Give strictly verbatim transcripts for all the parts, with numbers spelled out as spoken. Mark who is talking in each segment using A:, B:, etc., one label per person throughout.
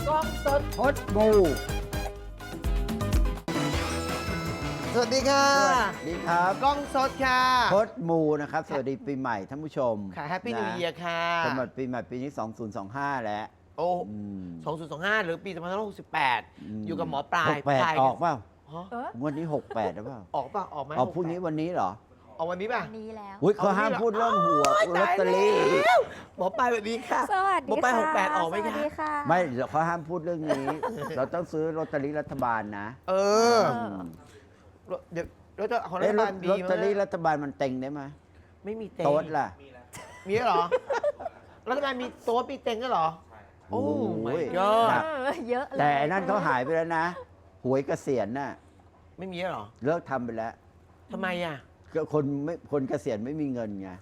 A: กล้องสด
B: พดมู
A: สวัสดีค่ะ
B: สวัสดีครับ
A: กล้องสดค่ะ
B: พดมูนะครับ สวัสดีปีใหม่ท่านผู้ชม
A: ค่ะแฮปปี้นิวเยียร์ค่ะ
B: สำหรับปีใหม่ปีนี้ สองพันยี่สิบห้า แล้ว
A: โอ้
B: อืม
A: สองพันยี่สิบห้าหรือปีสองพันห้าร้อยหกสิบแปด
B: ม
A: อยู่กับหมอปลาย
B: หกแปด
A: ปลาย
B: ออกเปล่า
A: ฮะ
C: เออ
B: วันนี้ หกแปดหรือเปล่า
A: ออกป่ะ ออกไหม
B: ออกพรุ่งนี้วันนี้เหรอ
A: ออกวันนี้ป่ะ
C: วันนี้แล้ว
B: อุ้ยเขาห้ามพูดเรื่องหัวลอตเตอรี่
A: หมอปลายแบบนี้ค่ะ
C: สวัสดี
A: หมอปลาย
C: ค่ะ
A: หกแปดออกไหมคะ
C: สวัสดีค่ะ
B: ไม่เดี๋ยวเขาห้ามพูดเรื่องนี้ เราต้องซื้อลอตเตอรี่รัฐบาลนะ
A: เออ
C: เออ
A: เดี๋ยวรถของรั
B: เอ้ย
A: ฐ
B: ล
A: บา
B: อ
A: ล
B: ต
A: ดี
B: ลอตเตอรี่
A: มั้ย
B: รัฐบาลมันเต็งได้ไหม
A: ไม่มีเต็ง
B: โต๊ดล่ะ
A: มีด้วยเหรอ รัฐบาลมีโต๊ดมีเต็งด้วยเหรอ โอ้ my
B: โอ้
A: god
C: เออเยอะเลย
B: แต่ไอ้นั่นเขาหายไปแล้วนะ หวยเกษียณน่ะ
A: ไม่มีด้วยเหรอ
B: เลิกทำไปแล้ว
A: ทำไมอ่ะ
B: ก็คนไม่คนเกษียณไม่มีเงินไง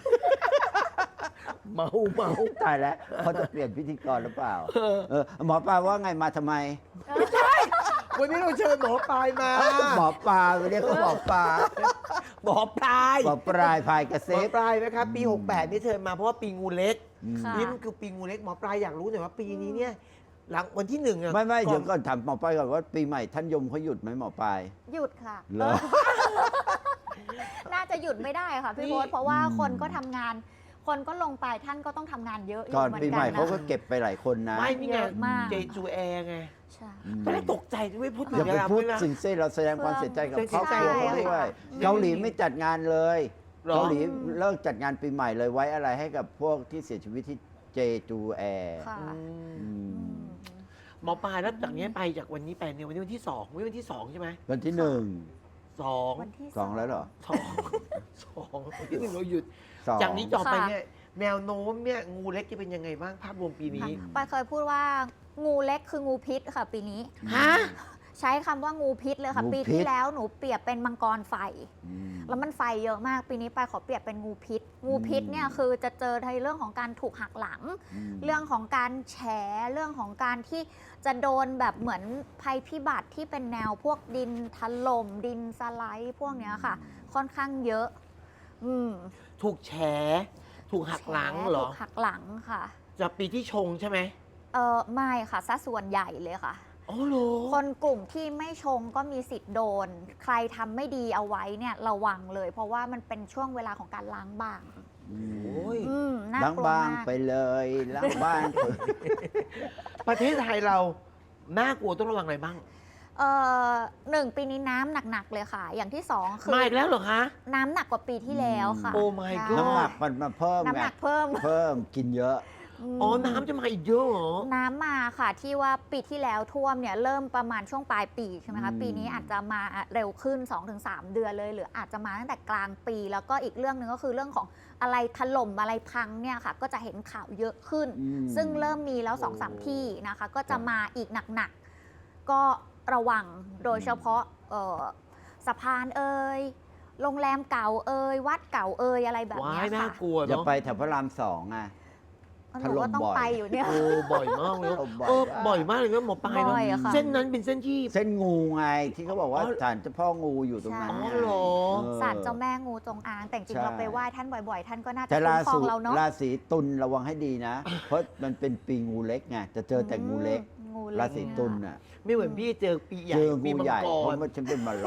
A: เมาเมา
B: ตายแล้วเขาจะเปลี่ยนพิธีกรหรือเปล่า เออหมอปลาว่าไงมาทำไม
A: วันนี้เราเชิญหมอปลายมา
B: หมอปลาเรียกเขาหมอปลา
A: หมอปลาย
B: หมอปลายพายกระ
A: หม
B: เซ็
A: อบ ปลายนะครับปี
B: อืม
A: หกแปดนี่เชิญมาเพราะว่าปีงูเล็ก
C: ค่ะ
A: นี่มันคือปีงูเล็กหมอปลายอยากรู้หน่อยว่าปีนี้เนี่ยหลังวันที่หนึ่งอะ
B: ไม่ไม่
A: ก่
B: เดี๋
A: อย
B: วน ก่อนถามหมอปลายก่อนว่าปีใหม่ท่านยมเขาหยุดไหมหมอปลาย
C: หยุดค่ะ
B: เหรอ
C: น่าจะหยุดไม่ได้ค่ะพี่โบ๊ทเพราะว่าคนก็ทำงาน คนก็ลงไปท่านก็ต้องทำงานเยอะอยู่
B: ก่อน
C: เหมือน
B: ปี
C: กั
B: ใหม่
C: น
B: เขา
C: นะ
B: ก็เก็บไปหลายคนนะ
A: ไม่นี่ไง
C: เยอะมาก
A: เจจูแอร์ไง
C: ใช่
B: อืม
A: ตอนแรกตกใจไม่พูดถึง
B: อย่าไป
A: แล้ว
B: พูด
A: นะ
B: สิ่งเซ่เราแสดงความเสียใจกับ
A: เสี
B: ครอย บ
A: ใจ
B: ครัวเขา
A: ใช่
B: ด้วย
A: ค่ะ
B: เกาหลีไม่จัดงานเลย
A: หรอ
B: เกาหลีเลิกจัดงานปีใหม่เลยไว้อะไรให้กับพวกที่เสียชีวิตที่เจจูแอร์
C: ค่ะ
A: อืม
B: อื
C: อื
B: ม
C: ม
A: หมอปลายแล้วจากนี้ไปจากวันนี้ไปเนี่ยวันนี้วันที่สองวันนี้วันที่สองใช่ไหม
B: วันที่หนึ่ง
A: สอง
C: วันที่
B: สองแล้วเหรอ
A: สองสองวันที่หนึ่งเราหยุด
B: สอง
A: จากนี้ต่อไปเนี่ยแนวโน้มเนี่ยงูเล็กจะเป็นยังไงบ้างภาพรวมปีนี้
C: ค่ะปายเคยพูดว่างูเล็กคืองูพิษค่ะ ปีนี้
A: ฮะ
C: ใช้คำว่างูพิษเลยค่ะ
B: งู
C: ปี
B: พิษ
C: ที่แล้วหนูเปรียบเป็นมังกรไฟ
B: อืม
C: แล้วมันไฟเยอะมาก ปีนี้ไปายขอเปรียบเป็นงูพิษ งูพิษเนี่ยคือจะเจอในเรื่องของการถูกหักหลัง
B: ม
C: เรื่องของการแฉเรื่องของการที่จะโดนแบบเหมือนภัยพิบัติที่เป็นแนวพวกดินถล่มดินสไลด์พวกเนี้ยค่ะ ค่อนข้างเยอะ อืม
A: ถูกแฉถูกหักหลังเหรอ
C: ถูกหักหลังค่ะ
A: จากปีที่ชงใช่ไหม
C: เออไม่ค่ะซะส่วนใหญ่เลยค่ะ
A: อ๋อเหรอ
C: คนกลุ่มที่ไม่ชงก็มีสิทธิ์โดน ใครทำไม่ดีเอาไว้เนี่ยระวังเลย เพราะว่ามันเป็นช่วงเวลาของการล้างบาง
B: อืม
A: โอ้ย
C: อืมน่า
B: ล้าง
C: กลัว
B: บ้าง
C: มาก
B: ไปเลยล้างบ้างไป
A: ประเทศไทยเราน่ากลัวต้องระวังอะไรบ้าง
C: เออหนึ่งปีนี้น้ำหนักๆเลยค่ะ อย่างที่สองคือ
A: มาอีกแล้วเหรอคะ
C: น้ำหนักกว่าปีที่แล้วค่ะ
A: โอ้ my
C: ใช่
A: god
B: น้ำหนักมันมาเพิ่ม
C: น้ำ
B: ไง
C: หนักเพิ่ม
B: เพิ่มกินเยอะ
C: ม
A: อ๋อ น้ำจะมาอีกเยอะเหรอ
C: น้ำมาค่ะที่ว่าปีที่แล้วท่วมเนี่ยเริ่มประมาณช่วงปลายปีใช่ไหมคะ
B: อืม
C: ปีนี้อาจจะมาเร็วขึ้น สองถึงสาม เดือนเลย หรืออาจจะมาตั้งแต่กลางปี แล้วก็อีกเรื่องหนึ่งก็คือเรื่องของอะไรถล่มอะไรพังเนี่ยค่ะ ก็จะเห็นข่าวเยอะขึ้น
B: อืม
C: ซึ่งเริ่มมีแล้วสองสาม
A: โอ้
C: ที่นะคะ ก็จะมาอีกหนักๆ ก็ระวังโดยเฉพาะเอ่อสะพานเอ่ยโรงแรมเก่าเอ่ยวัดเก่าเอ่ยอะไรแบบ
A: ว้า
C: เนี้
A: ย
C: ย
A: น่า
C: ค่ะ
A: กลัว
B: อย่า
A: เนาะ
B: ไปแถวพระรามสองอ่ะ
C: หนูก็ต้อง
B: ถล่มบ่อย
C: ไปอยู่เนี่ย
A: โอ้บ่อยมากเลย
B: บ่อย
A: เออ
B: มาก
A: บ่อยมากเลยนะหมอปลายเน
C: บ่อย
A: อะ
C: อะค่ะ
A: เส้นนั้นเป็นเส้นที่
B: เส้นงูไงที่เขาบอกว่า
A: อ๋อ
B: ศาลเจ้าพ่องูอยู่ตรงนั้น
A: อ๋อ
B: ไง
A: เหรอ
B: ออ
C: ศาลเจ้าแม่งูจงอาง แต่จริง
B: ใช่
C: ๆเราไปไหว้ท่านบ่อยๆ ท่านก็น่าจะ
B: แต่
C: คุ้
B: ราม
C: ครอ
B: ศี
C: งเราเนาะ
B: ราศีตุลระวังให้ดีนะ เพราะมันเป็นปีงูเล็กไงจะเจอแต่งูเล็ก
C: อืมงูเล็ก
B: ราศีตุลน่ะ
A: ไม่เหมือนพี่เจอปีใหญ่
B: เจอ
A: ปี
B: งู
A: มัง
B: ใหญ่
A: ก
B: เพ
A: ร
B: ราะว่าฉันเป็นมาโล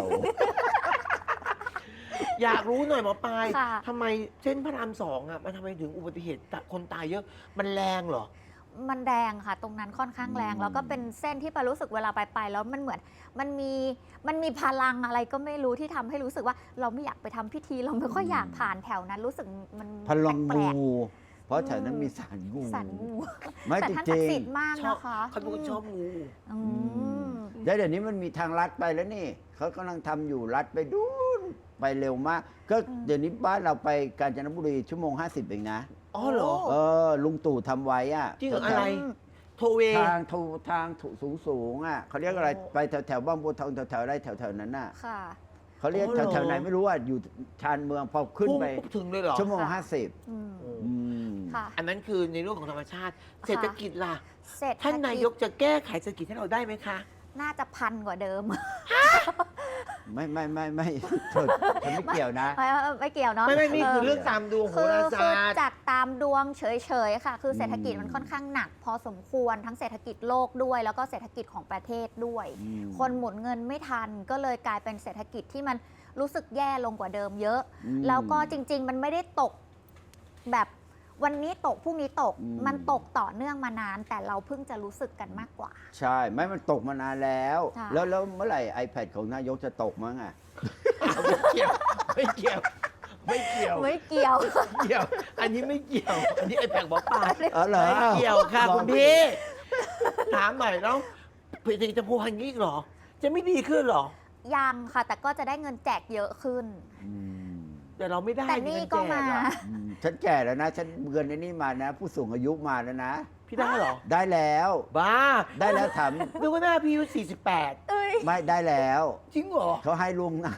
A: อยากรู้หน่อยหมอปลาย
C: ค่ะ
A: ทำไมเส้นพระรามสองอ่ะมันทำไมถึงอุบัติเหตุคนตายเยอะ มันแรงเหรอ
C: มันแรงค่ะ ตรงนั้นค่อนข้างแรง
B: อืม
C: แล้วก็เป็นเส้นที่ปารู้สึกเวลาไปไปแล้วมันเหมือนมันมีมันมีพลังอะไรก็ไม่รู้ที่ทำให้รู้สึกว่าเราไม่อยากไปทำพิธี เราไม่ค่อยอยากผ่านแถวนั้นรู้สึกมัน
B: พลัง
C: แปล
B: งู
C: ก
B: เพราะแถวนั้นมีสารงู
C: ๆสันงู
B: ไม่
C: แต่
B: จ
C: ท่าน
B: ริ
C: ศัก
B: ง
C: ดิ์สิทธิ์มาก
A: ชอบ
C: นะคะ
A: เขาเป็นคนชอบงู
C: อืม
B: ๆแล้วเดี๋ยวนี้มันมีทางลัดไปแล้วนี่เขากำลังทำอยู่ลัดไปดูนไปเร็วมาก ก็
C: อืม
B: เดี๋ยวนี้บ้านเราไปกาญจนบุรีชั่วโมงห้าสิบเองนะ
A: อ๋อเหรอ
B: เออลุงตู่ทำไว้อะ
A: จริงเหรอ
B: แถ
A: อะ
B: ว
A: ไร โทเว
B: ทางทูทางสูงสูงๆอ่ะเขาเรียกอะไร
A: โอ้
B: ไปแถวแถวบ้านบัวทองแถวแถวอะไรแถวแถวนั้นน่ะ
C: ค่ะ
B: เขาเรียก
A: อ๋อ
B: แถ
A: เหรอ
B: วแถวไหนไม่รู้อ่ะอยู่ชานเมืองพอขึ้น
A: พุ่ง
B: ไป
A: ปุ๊บถึงเลยเหรอ
B: ชั่วโมง
C: ค่ะ
B: ห้าสิบ
C: อืม
A: โอ้
B: อืม
C: ค่ะ
A: อันนั้นคือในเรื่องของธรรมชาติ เศรษฐกิจล่ะ
C: เสร็จ
A: ท่านนายกจะแก้ไขเศรษฐกิจให้เราได้ไหมคะ
C: น่าจะพันกว่าเดิม
B: ไม่ไม่ไม่ไม่เธอฉันไม่เกี่ยวนะ
C: ไม่ไม่ไม่เกี่ยวเนาะ
A: ไม่ไม่นี่คือ
C: เ
A: เรื่องตามดวงโห
C: คือ
A: รา
C: คือ
A: ศาสตร์
C: จากตามดวงเฉยๆค่ะ คือเศรษฐกิจ
B: อืม
C: มันค่อนข้างหนัก พอสมควรทั้งเศรษฐกิจโลกด้วย แล้วก็เศรษฐกิจของประเทศด้วย
B: อืม
C: คนหมุนเงินไม่ทันก็เลยกลายเป็นเศรษฐกิจที่มันรู้สึกแย่ลงกว่าเดิมเยอะ
B: อืม
C: แล้วก็จริง ๆ มันไม่ได้ตกแบบวันนี้ตกพรุ่งนี้ตก
B: อืม
C: มันตกต่อเนื่องมานาน แต่เราเพิ่งจะรู้สึกกันมากกว่า
B: ใช่ ไม่มันตกมานานแล้ว
C: ใช่
B: แล้วแล้วเมื่อไหร่ iPad ของนายกจะตกมั้งอ่ะ
A: ไม่เกี่ยวไม่เกี่ยว ไม่เกี่ยว
C: ไม่เกี่ยว
A: ไม่เกี่ยว อันนี้ไม่เกี่ยว อันนี้ไอ้แปลกบอกป่า
B: อ๋อเหรอ
A: ไม่เกี่ยวค่ะ
B: ลอง
A: คุณพี่ ถามหน่อยแล้วผลิตจะพูดอย่างนี้อีกเหรอ จะไม่ดีขึ้นเหรอ
C: ยังค่ะ แต่ก็จะได้เงินแจกเยอะขึ้น
B: อืม
A: แต่เราไม่ได้
C: แต่นี่
A: เงิแจ
C: ก็มา
A: อะ
B: อืมฉันแก่แล้วนะ ฉันเงินในนี่มานะ ผู้สูงอายุมาแล้วนะ
A: พี่ได้เหรอ
B: ได้แล้ว
A: บ้า
B: ได้แล้วถาม
A: นึกว่าหน้าพี่อายุสี่สิบแปด
C: เอ้ย
B: ไม่ได้แล้ว
A: จริงเหรอ
B: เขาให้ลุงนะ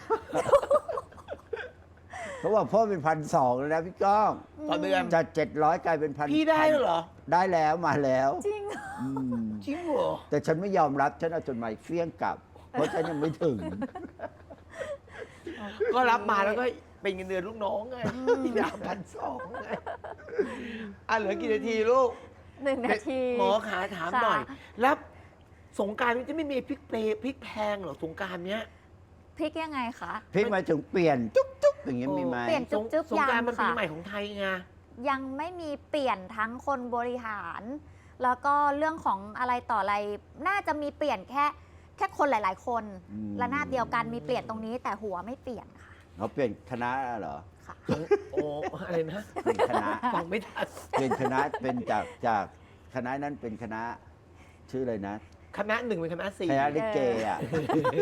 B: เขาบอกพ่อเป็นพันสองแล้วนะพี่ก้อง
A: ต่อเดือน
B: จากเจ็ดร้อยกลายเป็นพัน
A: พี่ได้เหรอ
B: ได้แล้วมาแล้ว
C: จริง
B: อืม
A: จริงเหรอ
B: แต่ฉันไม่ยอมรับฉันเอาจดหมายเฟี้ยงกลับ เพราะฉันยังไม่ถึง
A: ก็รับมาแล้วก็เป็นเงินเดือนลูกน้องไงพี่ดาวพันสองไงอ่ะเหลือกี่นาทีลูก
C: หนึ่งนาที
A: หมอขาถาม
C: ค่ะ
A: หน่อย แล้วสงกรารนี้จะไม่มีพริกเปรย์พริกแพงเหรอสงกรารเนี้ย
C: พริกยังไงคะ
B: พี่หมายถึงเปลี่ยนจุ๊บจุ๊บอย่างเงี้ยมีไหม
C: เปลี่ยน
A: สง
C: จุ๊บๆ
A: สงกราร
C: ยัง
A: มันปี
C: ค่ะ
A: ใหม่ของไทยไง
C: ยังไม่มีเปลี่ยนทั้งคนบริหาร แล้วก็เรื่องของอะไรต่ออะไร น่าจะมีเปลี่ยนแค่แค่คนหลาย ๆ คน
B: อืม
C: ระนาบเดียวกันมีเปลี่ยนตรงนี้ แต่หัวไม่เปลี่ยนค่ะ
B: เขาเปลี่ยนคณะเหรอ
C: ค่ะ
A: สงโอ้อะไรนะ
B: เป็นคณะ
A: ฟังไม่ทัน
B: เป็นคณะเป็นจากจากคณะนั้นเป็นคณะ ชื่ออะไรนะ
A: คณะหนึ่งเป็นคณะสี่
B: คณะลิเกอ่ะ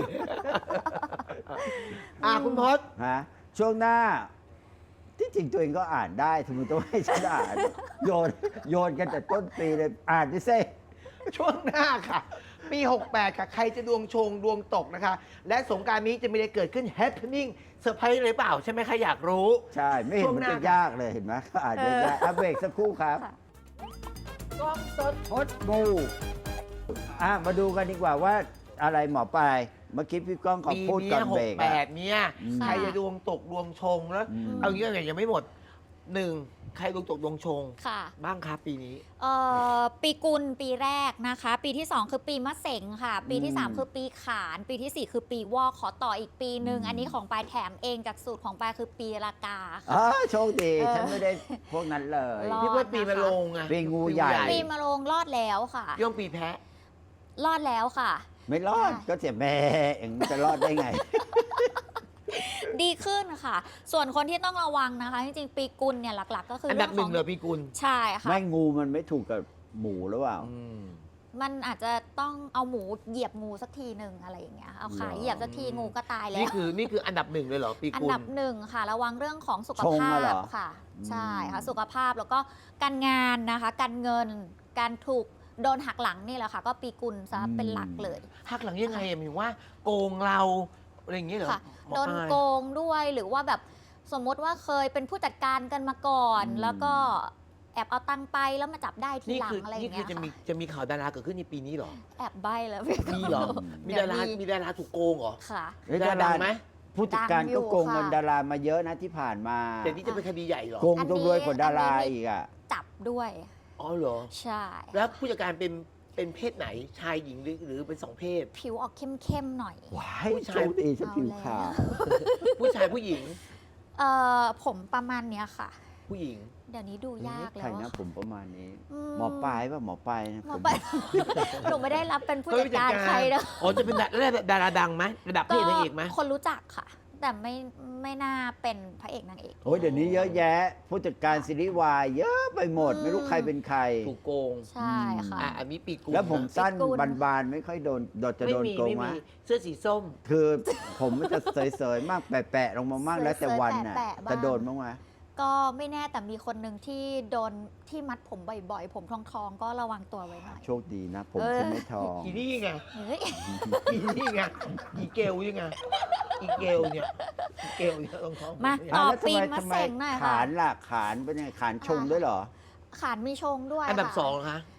A: อ่ะคุณพศ
B: ฮะช่วงหน้า ที่จริงตัวเองก็อ่านได้ทำไมต้องให้ฉันอ่าน โยนโยนกันแต่ต้นปีเลยอ่านดิเซ่
A: ช่วงหน้าค่ะ ปี หกแปด ค่ะ ใครจะดวงชงดวงตกนะคะ และสงกรารนี้จะมีอะไรเกิดขึ้น happening เซอร์ไพรส์หรือเปล่า ใช่ไหมใครอยากรู้
B: ใช่ ไม่เห็น
A: ช่วง
B: มัน
A: หน้า
B: จะยากเลยเห็นไหมเขาอ่านได้ยากอัปเบรกสักครู่ครับ
C: ค่ะ
A: กล้องสด
B: พดมูอ่ะมาดูกันดีกว่าว่าอะไรหมอปลายเมื่อกี้พี่ก้องเขา
A: ปี
B: พูด
A: นี้
B: ก่อน
A: ห
B: เบร
A: ก
B: ก
A: แป
B: อะ
A: ดเนี่ย
B: อืม
A: ใครจะดวงตกดวงชงแล้ว
B: อืม
A: เอางี้ก่อนยังไม่หมดหนึ่งใครดวงตกดวงชง
C: ค่ะ
A: บ้างครับปีนี้
C: เอ่อปีกุลปีแรกนะคะ ปีที่ สอง คือปีมะเสงค่ะ ปีที่ สาม
B: อืม
C: คือปีขาน ปีที่ สี่ คือปีวอกขอต่ออีกปีหนึ่ง
B: อืม
C: อันนี้ของปลายแถมเองจากสูตรของปลายคือปีละกาค่ะ
B: อ๋อโชคดี
C: เออ
B: ฉันไม่ได้พวกนั้นเลย
C: รอด
A: พี่ว่าปีมะโรงไง
B: ปีงูใหญ่
C: ปีมะโรงรอดแล้วค่ะ
A: ย่อมปีแพะ
C: รอดแล้วค่ะ
B: ไม่รอด
C: ใช่
B: ก็เสียแม่เองจะรอดได้ไง
C: ดีขึ้นค่ะ ส่วนคนที่ต้องระวังนะคะ จริงๆ ปีกุลเนี่ยหลักๆ ก็คือ
A: อันดับหนึ่ง
C: ข
A: เลยปีกุล
C: ใช่ค่ะ
B: ไม่งูมันไม่ถูกกับหมูหรือเปล่า
A: อืม
C: มันอาจจะต้องเอาหมูเหยียบงูสักทีหนึ่งอะไรอย่างเงี้ย เอาขา
B: หรอ
C: เหยียบสักทีงูก็ตายแล้
A: นี่
C: ว
A: คือนี่คืออันดับหนึ่งเลยเหรอปี
C: อัน
A: กุล
C: ดับหนึ่งค่ะ ระวังเรื่องของสุข
B: ชง
C: ภา
B: อะเหร
C: พ
B: อ
C: ค่ะ
B: อืม
C: ใช่ค่ะ สุขภาพแล้วก็การงานนะคะ การเงิน การถูกโดนหักหลังนี่แหละค่ะ ก็ปีกุลซะเป็นหลักเลย
A: หักหลังยังไงอะหมายถึงว่าโกงเราอะไรอย่างเงี้ยเหรอ
C: ค่ะ
A: หมอ
C: โดน
A: ปลาย
C: โกงด้วยหรือว่าแบบสมมติว่าเคยเป็นผู้จัดการกันมาก่อน
B: อืม
C: แล้วก็แอบเอาตังค์ไปแล้วมาจับได้ที
A: นี่
C: หลัง
A: คือ
C: อะไรอ
A: นี่
C: ย่าง
A: คื
C: เงี้
A: อย จะมี
C: ค่ะ
A: จะมีข่าวดาราเกิดขึ้นในปีนี้เหรอ
C: แอบใบแล้วพี่
A: มีเหรอ มี
C: เดี๋ย
A: ดาว รา
C: มี
A: มีดาราถูกโกงเหรอ
C: ค่ะ
B: เฮ้ย
A: ดาราดังไหม
B: ผู้จัดการ
C: ดังอยู่
B: ก็โกงเงิน
C: ค่ะ
B: ดารามาเยอะนะที่ผ่านมา
A: แต่นี่จะเป็นคดีใหญ่เหรอ
B: โกงต้องรวยกว่าดารา
C: อันนี้
B: อีกอ่ะ
C: จับด้วย
A: อ๋อเหรอ
C: ใช่
A: แล้วผู้จัดการเป็นเป็นเพศไหนชายหญิงหรือหรือเป็นสองเพศ
C: ผิวออกเข้มๆหน่อย
B: ว้าย
A: ผู้ชาย
B: โชคดีฉันผิวขาว
A: ผู้ชายผู้หญิง
C: เอ่อผมประมาณเนี้ยค่ะ
A: ผู้หญิง
C: เดี๋ยวนี้ดูยาก
B: ใคร
C: แล้ว
B: นะ
C: อะ
B: ผมประมาณนี้
C: อื
B: หมอปลายป่ะหมอปลายนะ
C: หมอ
B: ผม
C: ปลาย หนูไม่ได้รับเป็นผู้จัดการใครนะ
A: อ๋อจะเป็นดาราดาราดังไหมระดับพระเอกนางเอกไหม
C: คนรู้จักค่ะ แต่ไม่ไม่น่าเป็นพระเอกนางเอก
B: โอ้ยเดี๋ยวนี้เยอะแยะ ผู้จัดการซีรีส์วายเยอะไปหมด
C: อืม
B: ไม่รู้ใครเป็นใคร
A: ถูกโกง
C: ใช่ค่ะ
A: อ่ะอันนี้ปีกุล
B: แล้วผมสั้น
C: พิกุล
B: บานๆไม่ค่อยโดนโดนจะ
A: ไม่
B: โดน
A: มี
B: โกง
A: ไม่
B: ไหม
A: มีเสื้อสีส้ม
B: คือผมมันจะเสยๆมากแปะๆลงมามากแล้วแต่วันน่ะ
C: แปะๆบ้าง
B: จะโดนบ้างไหม
C: ก็ไม่แน่แต่มีคนหนึ่งที่โดนที่มัดผมบ่อยๆ ผมทองทองๆก็ระวังตัวไว้หน่อย
B: โชคดีนะ ผม
C: เออ
B: ฉันไม่ทอง
A: อีนี่ไง
C: เฮ้ย
A: อีนี่ไงอีเกลยังไงอีเกลเนี่ยอีเกลเนี่ยต้องท้อง
C: มา
A: เนี่ย
C: ต่อ
B: แล้วทำ
C: ปี
B: ไม
C: มะ
B: ทำไม
C: เสงหน่อยค่ะ
B: ขานล่ะขานเป็นไงขานชงด้วยเหรอ
C: ขานมีชงด้วย
A: อันดับ
C: ค่ะ
A: สองเหรอคะ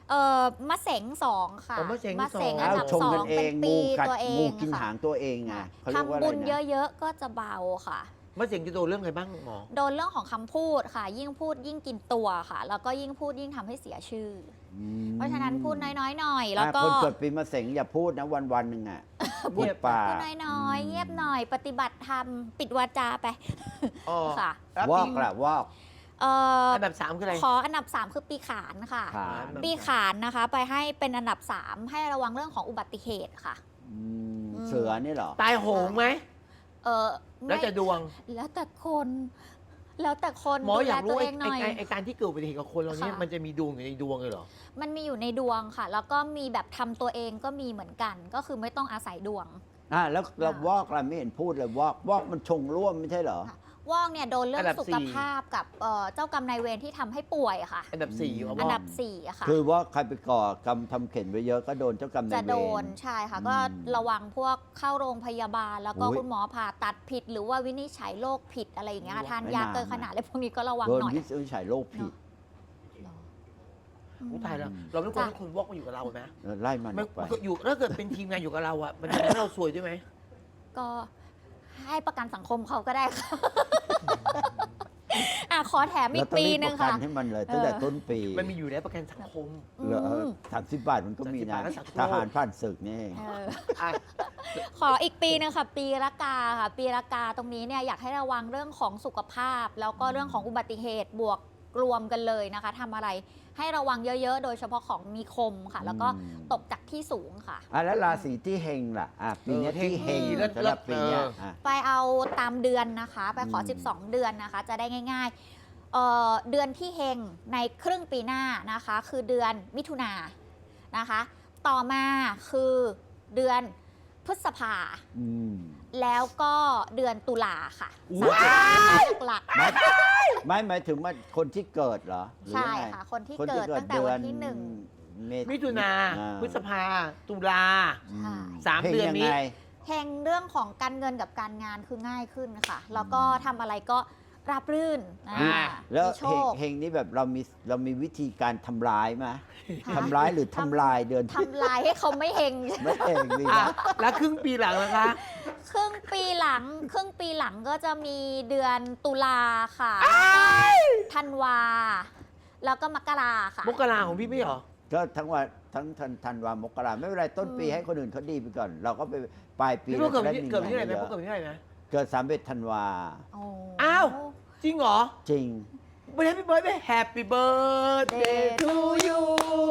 C: เออมะเสงสองค่ะ
A: อ๋อมะเสงสอง
C: มะเสงอั
B: อ้าน ว
C: ดับ
B: ชง
C: สอ
B: กัน
C: ง
B: เอ
C: เป็น
B: ง
C: ปี
B: งูกัด
C: ตัวเอ
B: งู
C: ง
B: กิน
C: ค่ะ
B: หางตัวเองไงเขาเรียกว่า
C: ทำ
B: อะไร
C: บุญ
B: นะ
C: เยอะๆ ก็จะเบาค่ะ
A: มะเสงจะโดนเรื่องอะไรบ้างหมอ
C: โดนเรื่องของคำพูดค่ะ ยิ่งพูดยิ่งกินตัวค่ะ แล้วก็ยิ่งพูดยิ่งทำให้เสียชื่อ
B: อื
C: อ
B: ม
C: เพราะฉะนั้นพูดน้อยๆหน่อย แล้ว
B: อ่ะ
C: ก็
B: คนเกิดปีมะเสงอย่าพูดนะวันวันๆหนึ่งอ่ะพูดปาก
C: พูดน้อยๆ เงียบหน่อย ปฏิบัติธรรม ปิดวาจาไป
A: อ๋อ
C: ค่ะ
A: แล้ว
B: วอ
A: ปี
B: กละวอก
C: เอ่อ
A: อันดับสามคืออะไร
C: ขออันดับ สาม คือปีขานค่ะ
B: ขาน
C: ปีขานนะคะ ไปให้เป็นอันดับ สาม ให้ระวังเรื่องของอุบัติเหตุค่ะ
B: อืม
C: อืม
B: เสือนี่เหรอ
A: ตายโหงไหม
C: เออ
A: แล้ว
C: ไม่
A: จะดวง
C: แล้วแต่คน แล้วแต่คน
A: หมอ
C: ดู
A: อ
C: แล
A: ยาก
C: ตั
A: รู้
C: ว
A: ไอ้
C: เองหน่อย
A: ไอ้ไอ้การที่เกิดอุบัติเหตุกับคนเราเนี่ย
C: ค่ะ
A: มันจะมีดวงอยู่ในดวงเลยเหรอ
C: มันมีอยู่ในดวงค่ะ แล้วก็มีแบบทำตัวเองก็มีเหมือนกัน ก็คือไม่ต้องอาศัยดวง
B: อ่ะแล้วเรา
C: ค่ะ
B: วอกเราไม่เห็นพูดเลยวอกวอกมันชงร่วมไม่ใช่เหรอ
C: ค่ะวอกเนี่ยโดนเรื่อ
A: อั
C: ง
A: นดับ
C: สุ
A: สี่
C: ขภาพกับเอ่อเจ้ากรรมนายเวรที่ทำให้ป่วยอะค่ะ
A: อันดับสี่
B: อืม
A: เอา
C: อัน
A: ว่า
C: ดับสี่อะค่ะ
B: คือว่าใครไปก่อกรรมทำเข็นไว้เยอะก็โดนเจ้ากรรมนา
C: จะ
B: ยเว
C: โด
B: ร
C: นใช่ค่ะ
B: อืม
C: ก็ระวังพวกเข้าโรงพยาบาล แล้วก็
B: อุ๊ย
C: คุณหมอผ่าตัดผิด หรือว่าวินิจฉัยโรคผิดอะไรอย่างเงี้ยค่ะทาน
B: ไม่
C: ยา
B: น่า
C: เกินขนาดอะไรพวกนี้ก็ระวัง
B: โดน
C: หน่อย
B: วินิจฉัยโรคผิด
A: อุ๊ยตายแล้วเราไม่ควรให้คนวอกมาอยู่กับเราไหม
B: เออไล่มัน
A: ไม่
B: ออกไป
A: มันก็อยู่ถ้าเกิดเป็นทีมงานอยู่กับเราอ่ะมันจะทำให้เราซวยด้วยไหม
C: ก็ให้ประกันสังคมเขาก็ได้ค่ะ อ่ะขอแถมอี
B: เรา
C: ก
B: ต้อง
C: ปี
B: รีบ
C: ห
B: ป
C: นึ่ง
B: ระกัน
C: ค่ะ
B: ให้มันเลยตั้งแต่
C: เออ
B: ต้นปี
A: มันมีอยู่ในประกันสังคม
B: เหรอ
C: อืม
B: สามสิบบาทมันก็มี
A: สามสิบบาท
B: นะ
A: รักษาโรค
B: ทหารผ่านศึกนี่เอง
C: เออ
A: อ่ะ
C: ขออีกปีหนึงค่ะ ปีละกาค่ะ ปีละกาตรงนี้เนี่ยอยากให้ระวังเรื่องของสุขภาพ แล้วก็เรื่องของอุบัติเหตุบวกรวมกันเลยนะคะทำอะไรให้ระวังเยอะๆ โดยเฉพาะของมีคมค่ะ แล้วก็
B: อืม
C: ตกจากที่สูงค่ะ
B: อ่ะแล้วราศีที่เฮงล่ะอ่ะปีเนี้ย
A: เออ
B: ที่เฮง
A: เฮงดีเลิศ
B: สำหรับปีเนี้ย
A: เลิศ
B: อ่ะ
C: ไปเอาตามเดือนนะคะ ไปขอ
B: อืม
C: สิบสอง เดือนนะคะ จะได้ง่ายๆเอ่อเดือนที่เฮงในครึ่งปีหน้านะคะ คือเดือนมิถุนายนนะคะ ต่อมาคือเดือนพฤษภา
B: อืม
C: แล้วก็เดือนตุลาค่ะ
A: ว้า
C: สามหลัก
B: ไม่ไม่หมายถึงว่าคนที่เกิดเหรอหรือ
C: ใช่
B: ยังไง
C: ค่ะ คนที่
B: คน
C: เกิดตั้งแต่วันที่หนึ่ง
B: เมษ
A: มิถุนา
B: อ่
A: พฤษภาตุลา
B: อืม
A: สาม
B: ฮง
A: เดือนนี้
B: ยังไง
C: เฮงเรื่องของการเงินกับการงานคือง่ายขึ้นค่ะ แล้วก็ทำอะไรก็ราบรื่นอ่า
A: อ่า
B: แล้ว
C: มีโช
B: เฮง
C: ค
B: เฮงนี่แบบเรามีเรามีวิธีการทำร้ายไหม
C: ค่ะ
B: ทำร้ายหรือทำลายเดือนที่
C: ทำลายให้เขาไม่เฮง
B: ไม่เองดี
A: อ่ะ
B: นะ
A: แล้วครึ่งปีหลังนะคะ
C: ครึ่งปีหลังครึ่งปีหลังก็จะมีเดือนตุลาค่ะธันวา แล้วก็มกราค่ะ
A: มกราของพี่ไม่เหรอ
B: ก็ทั้งวันทั้งธันธันวามกราไม่เป็นไรต้นปี
C: อืม
B: ให้คนอื่นเขาดีไปก่อน เราก็ไปปลายปี
A: พี่พวกเกิด
B: รา
A: ที่
B: จะ
A: เกิดที่ไหน
B: งิ
A: นะ
B: เย
A: พวก
B: อะ
A: เกิดที่ไหนนะ
B: เกิดสามเอ็ดธันวา
C: โอ้
A: อ้าว จริงเหรอ
B: จริง
A: ไม่ได้พี่เบิร์ดไม่ Happy birthday to you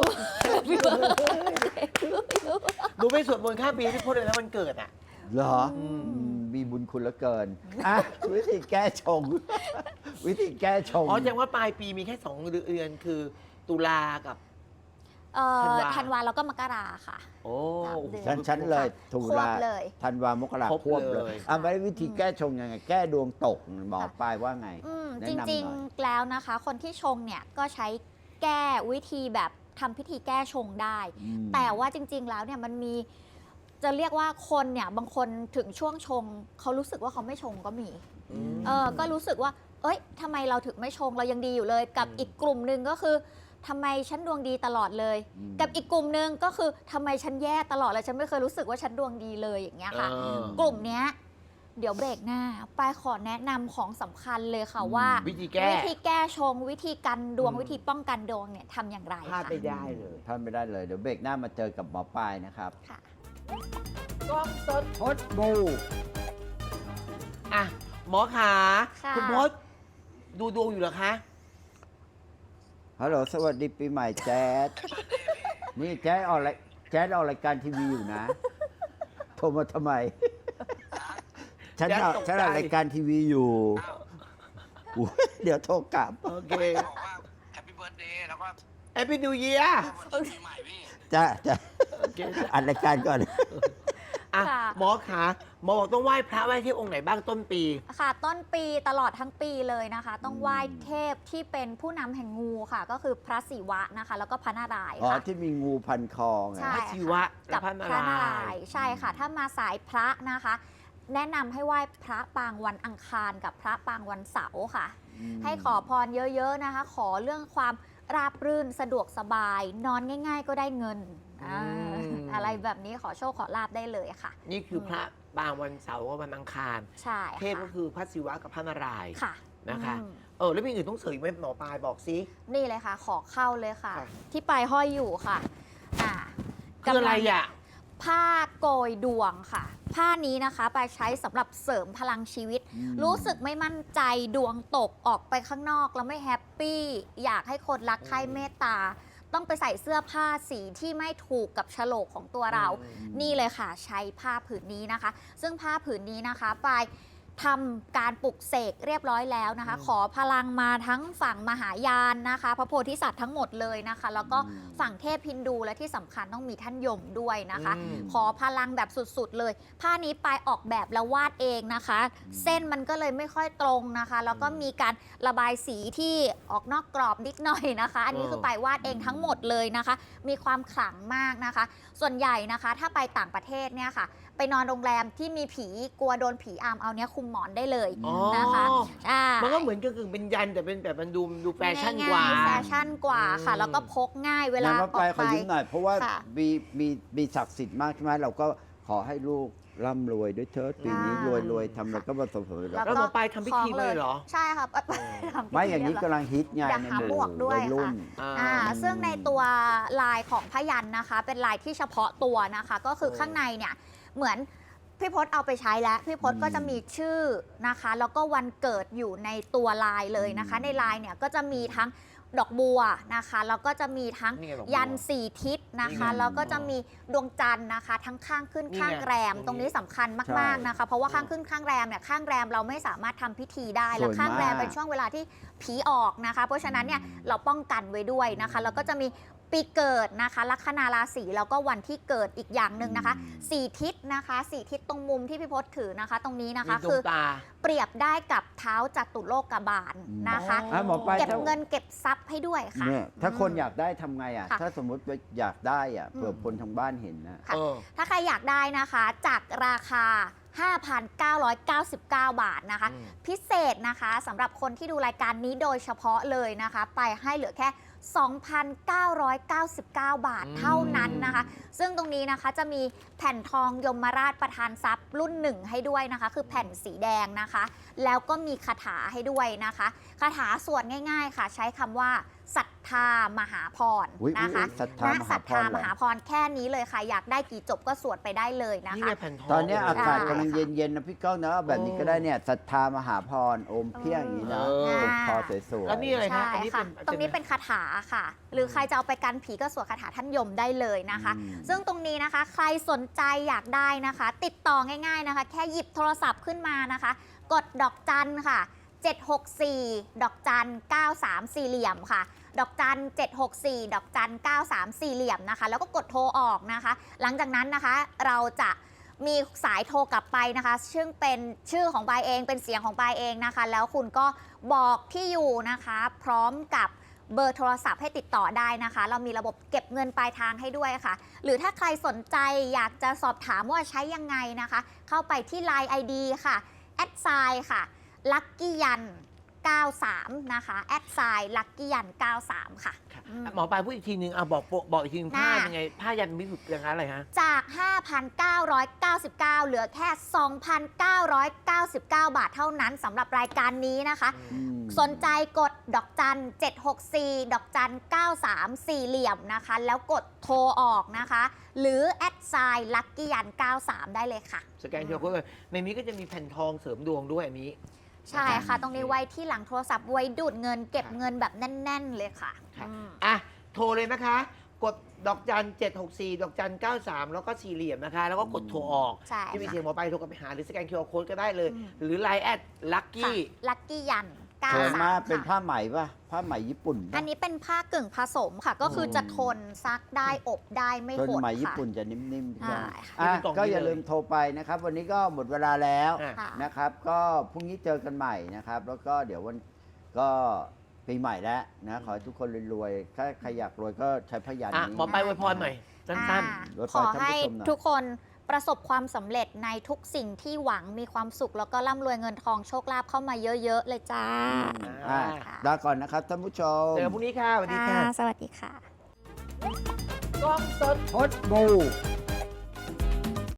A: หนูไปสวดมนต์ข้ามปีให้พี่พจน์เลยนะวันเกิดอ่ะ
B: เหรอ
A: อืม
B: อืมมีบุญคุณเหลือเกินอ่ะวิธีแก้ชง วิธีแก้ชง
A: อ๋อแสดงว่าปลายปีมีแค่สองเดือนคือตุลากับ
C: เอ่อ
A: ธันวา
C: ธันวาแล้วก็มกราค่ะ
A: โอ้
C: สามเดือน
B: ฉันฉันเลยตุ
C: คว
B: ลา
C: บเลย
B: ธันวามกรา
A: ครบ
B: ควบเล
A: เลย ย
B: อ่ะไปวิธีแก้ชงยังไง แก้ดวงตกหมอปลายว่าไง
C: อืม
B: แนะ
C: จ
B: นำหน่อย
C: ริงๆแล้วนะคะ คนที่ชงเนี่ยก็ใช้แก้วิธีแบบทำพิธีแก้ชงได้
B: อืม
C: แต่ว่าจริง ๆ แล้วเนี่ยมันมีจะเรียกว่าคนเนี่ยบางคนถึงช่วงชงเขารู้สึกว่าเขาไม่ชงก็มี
A: อืม
C: เออก็รู้สึกว่า เอ้ยทำไมเราถึงไม่ชงเรายังดีอยู่เลย กับ
A: อืม
C: อีกกลุ่มหนึ่งก็คือทำไมฉันดวงดีตลอดเลย
B: อืม
C: กับอีกกลุ่มหนึ่งก็คือทำไมฉันแย่ตลอดเลยฉันไม่เคยรู้สึกว่าฉันดวงดีเลยอย่างเงี้ยค่ะ
A: เออ
C: กลุ่มเนี้ยเดี๋ยวเบรกหน้าปายขอแนะนำของสำคัญเลยค่ะว่า
A: วิธีแก้
C: วิธีแก้ชง วิธีกันดวง
A: อืม
C: วิธีป้องกันดวงเนี่ยทำอย่างไร
A: พลาด
C: ค่ะ
A: ไปได้เลย
B: พลาดไม่ได้เลย เดี๋ยวเบรกหน้ามาเจอกับหมอปลายนะครับ
C: ค่ะ
A: กล้องสด
B: พดบู
A: อ่ะ หมอขา
C: ค่ะ
A: คุณพจน์ดูดวงอยู่เหรอคะ
B: ฮัลโหลสวัสดีปีใหม่แจ๊ดนี่แจ๊ดออกรายแจ๊ดออกรายการทีวีอยู่นะ โทรมาทำไม ฉัน
A: แจ๊ด
B: เอา
A: ตกใจ
B: ฉันออกรายการทีวีอยู่อุ๊ยเดี๋ยวโทรกลับ
A: โอเค
D: บอกว่าแฮปปี้เบิร์ดเดย์แล้วก็
A: แอปปี้นิวเยียร์
D: วันปีใหม่พี่
B: จ้ะจ้ะ
A: โอเค
B: อัดรายการก่อน
A: อ่ะ
C: ค่ะ
A: หมอขาหมอบอกต้องไหว้พระไหว้เทพองค์ไหนบ้างต้นปี
C: ค่ะต้นปีตลอดทั้งปีเลยนะคะ ต้องไหว้
B: อืม
C: เทพที่เป็นผู้นำแห่งงูค่ะ ก็คือพระศิวะนะคะ แล้วก็พระนารายณ์
B: อ๋อ
C: ค่ะ
B: ที่มีงูพันคอไง
C: ใช่
A: พระศิวะ
C: กั
A: และ
C: บ
A: พระนา
C: พระนาร
A: าร
C: าย
A: ย
C: ณ์
A: ณ์
C: ใช่ค่ะ ถ้ามาสายพระนะคะ แนะนำให้ไหว้พระปางวันอังคารกับพระปางวันเสาร์ค่ะ
B: อืม
C: ให้ขอพรเยอะๆนะคะ ขอเรื่องความราบรื่นสะดวกสบาย นอนง่าย ๆ ก็ได้เงินอ่า
A: อืม
C: อะไรแบบนี้ขอโชคขอลาบได้เลยค่ะ
A: นี่คือพระบางวันเสาร์กับวันอังคาร
C: ใช่
A: เทพก็
C: ค่ะ
A: คือพระศิวะกับพระนารายณ์
C: ค่ะ
A: นะคะ
C: อืม
A: เออแล้วมีอื่นต้องเสริมไหมหมอปลายบอกซิ
C: นี่เลยค่ะ ขอเข้าเลยค่ะ
A: ค่ะ
C: ที่ปลายห้อยอยู่ค่ะอ่า
A: คืออะไร
C: กำลัง
A: อ่ะ
C: ผ้าโกยดวงค่ะ ผ้านี้นะคะไปใช้สำหรับเสริมพลังชีวิต
B: อืม
C: รู้สึกไม่มั่นใจดวงตกออกไปข้างนอกแล้วไม่แฮปปี้อยากให้คนรักใคร่เมตตา ต้องไปใส่เสื้อผ้าสีที่ไม่ถูกกับโฉลกของตัวเรา
A: อืม
C: นี่เลยค่ะใช้ผ้าผืนนี้นะคะ ซึ่งผ้าผืนนี้นะคะปลายทำการปลุกเสกเรียบร้อยแล้วนะคะ
A: อืม
C: ขอพลังมาทั้งฝั่งมหายานนะคะ พระโพธิสัตว์ทั้งหมดเลยนะคะ แล้วก็
B: อืม
C: ฝั่งเทพฮินดูและที่สำคัญต้องมีท่านยมด้วยนะคะ
A: อืม
C: ขอพลังแบบสุดๆเลย ผ้านี้ปลายออกแบบแล้ววาดเองนะคะ เส้นมันก็เลยไม่ค่อยตรงนะคะ แล้วก็มีการระบายสีที่ออกนอกกรอบนิดหน่อยนะคะ อันนี้คือปลายวาดเองทั้งหมดเลยนะคะ มีความขลังมากนะคะ ส่วนใหญ่นะคะถ้าไปต่างประเทศเนี่ยค่ะ ไปนอนโรงแรมที่มีผีกลัวโดนผีอำเอาเนี้ยคุมหมอนได้เลย
A: อ๋อ
C: นะคะใช่
A: มันก็เหมือนกับกึ่งเป็นยันแต่เป็นแบบมันดูดูแฟชั่นกว่า
C: ง่ยๆแฟชั่นกว่าค่ะ
A: อืม
C: แล้วก็พกง่ายเวลา
B: งั้น
C: อ
B: ว่า
C: อก
B: ไปข
C: ไป
B: อยืมหน่อยเพราะว่า
C: ค่ะ
B: มีมีมีศักดิ์สิทธิ์มากใช่ไหมเราก็ขอให้ลูกร่ำรวยด้วยเถิดปีนี้
C: อ่าร
B: วยรวยทำอะไรก็ประสบผลสำเร็จ
A: แล้วหมอปลายทำพิธีมาเลยเหรอ
C: ใช่ครับทำพิธี
B: ไม่อย่างนี้
C: เรีบร้
B: กำลังฮิตไง
C: อยาก
B: ใน
C: หา
B: ห
C: หม
B: มู่
C: วกด้วย
B: วัยรุ่น
A: อ่า
C: อ่าซึ่งในตัวลายของพยันนะคะ เป็นลายที่เฉพาะตัวนะคะ ก็คือ
A: โอ้
C: ข้างในเนี่ยเหมือนพี่พศเอาไปใช้แล้วพี่พศ
B: อืม
C: ก็จะมีชื่อนะคะ แล้วก็วันเกิดอยู่ในตัวลายเลยนะคะ
B: อืม
C: ในลายเนี่ยก็จะมีทั้งดอกบัวนะคะแล้วก็จะมีทั้ง
A: นี่ไงดอกบัว
C: ยันสี่ทิศนะคะ
A: นี่ไง
C: แล้วก็จะมีดวงจันทร์นะคะ ทั้งข้างขึ้น
A: นี่ไง
C: ข้างแรม
A: ต
C: ต
A: ร
C: รง ง
A: นี้
C: นี้สำคัญมากๆนะคะ เพราะว่าข้างขึ้นข้างแรมเนี่ยข้างแรมเราไม่สามารถทำพิธีได้
B: สวย
C: แล้วข้างแรม
B: มาก
C: เป็นช่วงเวลาที่ผีออกนะคะ เพราะฉะนั้นเนี่ยเราป้องกันไว้ด้วยนะคะ แล้วก็จะมีปีเกิดนะคะ ลัคนาราศีแล้วก็วันที่เกิดอีกอย่างหนึ่งนะคะ
B: อืม
C: สี่ทิศนะคะสี่ทิศตรงมุมที่พี่พศถือนะคะ ตรงนี้นะคะ
A: มีดว
C: คื
A: ง
C: อ
A: ตา
C: เปรียบได้กับเท้าจัตุโลกบาลนะคะ
A: อ๋อ
B: อ่ะหมอปลาย
C: เก็บ
B: ถ้า
C: เงินเก็บทรัพย์ให้ด้วยค่ะ
B: เนี่ยถ้าคนอยากได้ทำไงอ่ะ
C: ค่ะ
B: ถ้าสมมติว่าอยากได้อ่ะ
C: อืม
B: เผื่อคนทางบ้านเห็นนะ
C: ค่ะ
A: เออ
C: ถ้าใครอยากได้นะคะจากราคา ห้าพันเก้าร้อยเก้าสิบเก้า บาทนะคะ
A: อืม
C: พิเศษนะคะสำหรับคนที่ดูรายการนี้โดยเฉพาะเลยนะคะ ไปให้เหลือแค่ สองพันเก้าร้อยเก้าสิบเก้า บาทเท่านั้นนะคะ ซึ่งตรงนี้นะคะจะมีแผ่นทองยมราชประทานทรัพย์รุ่นหนึ่งให้ด้วยนะคะ คือแผ่นสีแดงนะคะ แล้วก็มีคาถาให้ด้วยนะคะคาถาสวดง่าย ๆ ค่ะ ใช้คำว่าศรัทธามหาพร
B: อุ๊ย
C: นะคะ
B: อุ๊ยศรัทธาม
C: ณ
B: หาพร
C: ศรัทธาม
B: เหรอ
C: หาพรแค่นี้เลยค่ะ อยากได้กี่จบก็สวดไปได้เลยนะ
A: นี่
C: คะ
A: ไงแผ่นทอง
B: ตอนเนี้ยอากาศ
C: ใช่
B: กำลังเย็นๆนะพี่ก้องนะเอาแบบนี้ก็ได้เนี่ยศรัทธามหาพรโอมเพียงอย่างนี้นะ
A: เออ
B: เป็นคอสวยๆ
A: แล้วนี่อะไร
C: ใช่
A: ฮะอันนี้
C: ค่ะ
A: เป็น
C: ตรงนี้เป็นคาถาค่ะ หรือใครจะเอาไปกันผีก็สวดคาถาท่านยมได้เลยนะคะ
B: อืม
C: ซึ่งตรงนี้นะคะ ใครสนใจอยากได้นะคะ ติดต่อง่ายๆนะคะ แค่หยิบโทรศัพท์ขึ้นมานะคะ กดดอกจันค่ะ เจ็ดหกสี่ ดอกจัน เก้าสาม สี่เหลี่ยมค่ะ ดอกจัน เจ็ดหกสี่ ดอกจัน เก้าสาม สี่เหลี่ยมนะคะ แล้วก็กดโทรออกนะคะ หลังจากนั้นนะคะเราจะมีสายโทรกลับไปนะคะ ซึ่งเป็นชื่อของปายเองเป็นเสียงของปายเองนะคะ แล้วคุณก็บอกที่อยู่นะคะ พร้อมกับเบอร์โทรศัพท์ให้ติดต่อได้นะคะ เรามีระบบเก็บเงินปลายทางให้ด้วยค่ะ หรือถ้าใครสนใจอยากจะสอบถามว่าใช้ยังไงนะคะ เข้าไปที่ ไลน์ ไอ ดี ค่ะแอดไซน์ค่ะลัคกี้ยันเก้าสามนะคะแอดไซน์ลัคกี้ยันเก้าสามค่ะ
A: ค่ะ
C: อืม
A: หมอปลายพูดอีกทีนึงอ่ะบอกบอกอีกทีนึงผ้า
C: น่า
A: ยังไง ผ้ายันมิสุอย่างนั้นอะไรฮะ
C: จาก ห้าพันเก้าร้อยเก้าสิบเก้า เหลือแค่ สองพันเก้าร้อยเก้าสิบเก้า บาทเท่านั้นสำหรับรายการนี้นะคะ
B: อืม
C: สนใจกดดอกจัน เจ็ดหกสี่ ดอกจัน เก้าสาม สี่เหลี่ยมนะคะ แล้วกดโทรออกนะคะ หรือแอดไซน์ลัคกี้ยันเก้าสาม ได้เลยค่ะ
A: สแกน คิว อาร์ โค้ดเลยในนี้ก็จะมีแผ่นทองเสริมดวงด้วยอันนี้
C: ใช่ค่ะ ตรงนี้ไว้ที่หลังโทรศัพท์ไว้ดูดเงินเก็บเงินแบบแน่น ๆ เลยค่ะ
A: ค่ะ
C: อืม
A: อ่ะ โทรเลยนะคะ กดดอกจัน เจ็ดหกสี่ ดอกจัน เก้าสาม แล้วก็สี่เหลี่ยมนะคะ แล้วก็กดโทรออก
C: ใช่
A: ที่มี
C: ค่ะ
A: เสียงหมอปลายโทรกลับไปหาหรือสแกน คิว อาร์ โค้ดก็ได้เลย
C: อืม
A: หรือ ไลน์ แอดลัค
C: ค่ะ
A: กี้
C: ลัคกี้ยันเก้า
B: สวย
C: สาม
B: มากเป็น
C: ค่ะ
B: ผ้าไหมป่ะผ้าไหมญี่ปุ่น
C: อั
B: ป่ะ
C: นนี้เป็นผ้ากึ่งผสมค่ะ ก็คือจะทนซักได้อบได้ไม่
B: ส่วน
C: หด
B: ไหมญี่
C: ค่ะ
B: ปุ่นจะนิ่มๆใช่ไหม
C: ใช่ค่ะ
B: อ่ะ
A: นี่เป็นกล่อง
B: ก็
A: นี้
B: อย่า
A: เลย
B: ลืมโทรไปนะครับ วันนี้ก็หมดเวลาแล้ว
A: อ่ะ
C: ค่ะ
B: นะครับ ก็พรุ่งนี้เจอกันใหม่นะครับ แล้วก็เดี๋ยววันก็ปีใหม่แล้วนะขอให้ทุกคนรวยๆถ้าใครอยากรวยก็ใช้พยัญช
A: อ่ะ
B: นะ
A: หมอปลายอวยพรหน่อยสั้น
C: อ่า
B: ลด
C: ขอ
B: ไปท่าน
C: ให้
B: ผู้ชมหน่อย
C: ทุกคนประสบความสำเร็จในทุกสิ่งที่หวังมีความสุข แล้วก็ร่ำรวยเงินทองโชคลาภเข้ามาเยอะๆเลยจ้า
B: อ่า
C: ค่ะ
B: ลาก่อนนะครับท่านผู้ชม
A: เจอกันพรุ่งนี้ค่ะสวัสดีค่ะ
C: สวัสดีค่ะ
A: กล้องสด
B: พดบู